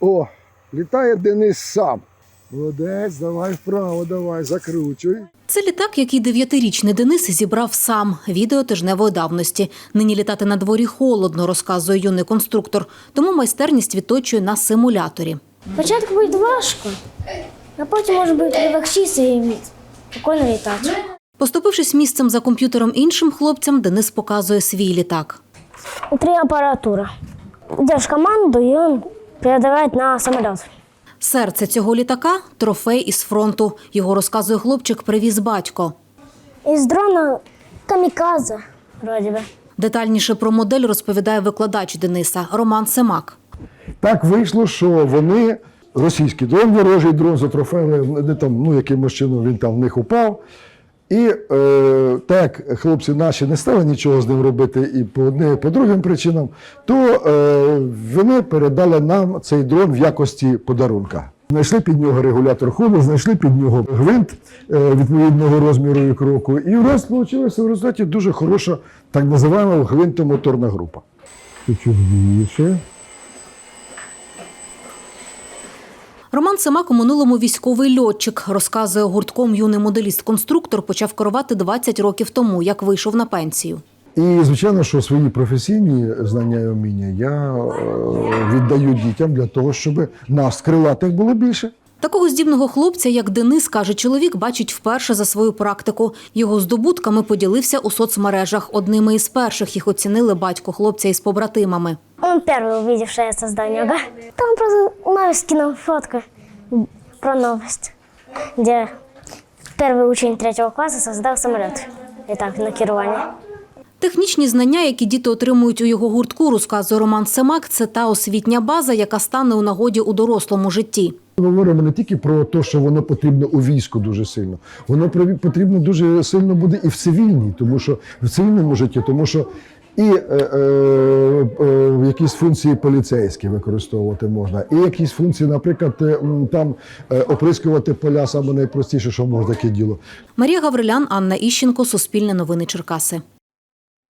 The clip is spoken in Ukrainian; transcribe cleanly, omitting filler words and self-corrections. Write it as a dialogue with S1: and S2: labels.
S1: О, літає Денис сам. Молодець, давай вправо, давай, закручуй.
S2: Це літак, який 9-річний Денис зібрав сам. Відео тижневої давності. Нині літати на дворі холодно, розказує юний конструктор. Тому майстерність відточує на симуляторі.
S3: Спочатку буде важко, а потім може бути легчіше і спокійно літати.
S2: Поступившись місцем за комп'ютером іншим хлопцям, Денис показує свій літак.
S3: І 3 апаратури. Йдеш команду, і він передаває на самоліт.
S2: Серце цього літака – трофей із фронту. Його, розказує хлопчик, привіз батько.
S3: Із дрона камікадзе, вроді би.
S2: Детальніше про модель розповідає викладач Дениса Роман Семак.
S1: Так вийшло, що вони, російський дрон, ворожий дрон, затрофеїли, якимось чином він там в них упав. І так як хлопці наші не стали нічого з ним робити і по одним, і по другим причинам, то вони передали нам цей дрон в якості подарунка. Знайшли під нього регулятор ходу, знайшли під нього гвинт відповідного розміру і кроку. І у нас вийшла в результаті дуже хороша, так називаємо, гвинтомоторна група. Чуть більше.
S2: Роман Семак у минулому військовий льотчик. Розказує, гуртком юний моделіст-конструктор почав керувати 20 років тому, як вийшов на пенсію.
S1: І, звичайно, що свої професійні знання і вміння я віддаю дітям для того, щоб нас, крилатих, було більше.
S2: Такого здібного хлопця, як Денис, каже чоловік, бачить вперше за свою практику. Його здобутками поділився у соцмережах. Одними із перших їх оцінили батько хлопця із побратимами.
S3: Он первый увидел, что я создал него. Там просто Навис скинул фотку про новость, где первый учень 3-го класса создал самолет. И так, на керування.
S2: Технічні знання, які діти отримують у його гуртку, розказує Роман Семак, це та освітня база, яка стане у нагоді у дорослому житті.
S1: Ми говоримо не тільки про те, що воно потрібно у війську дуже сильно. Воно потрібно дуже сильно буде і в цивільній, тому що в цивільному житті, тому що і якісь функції поліцейські використовувати можна, і якісь функції, наприклад, там оприскувати поля, саме найпростіше, що може таке діло.
S2: Марія Гаврилян, Анна Іщенко, Суспільне новини Черкаси.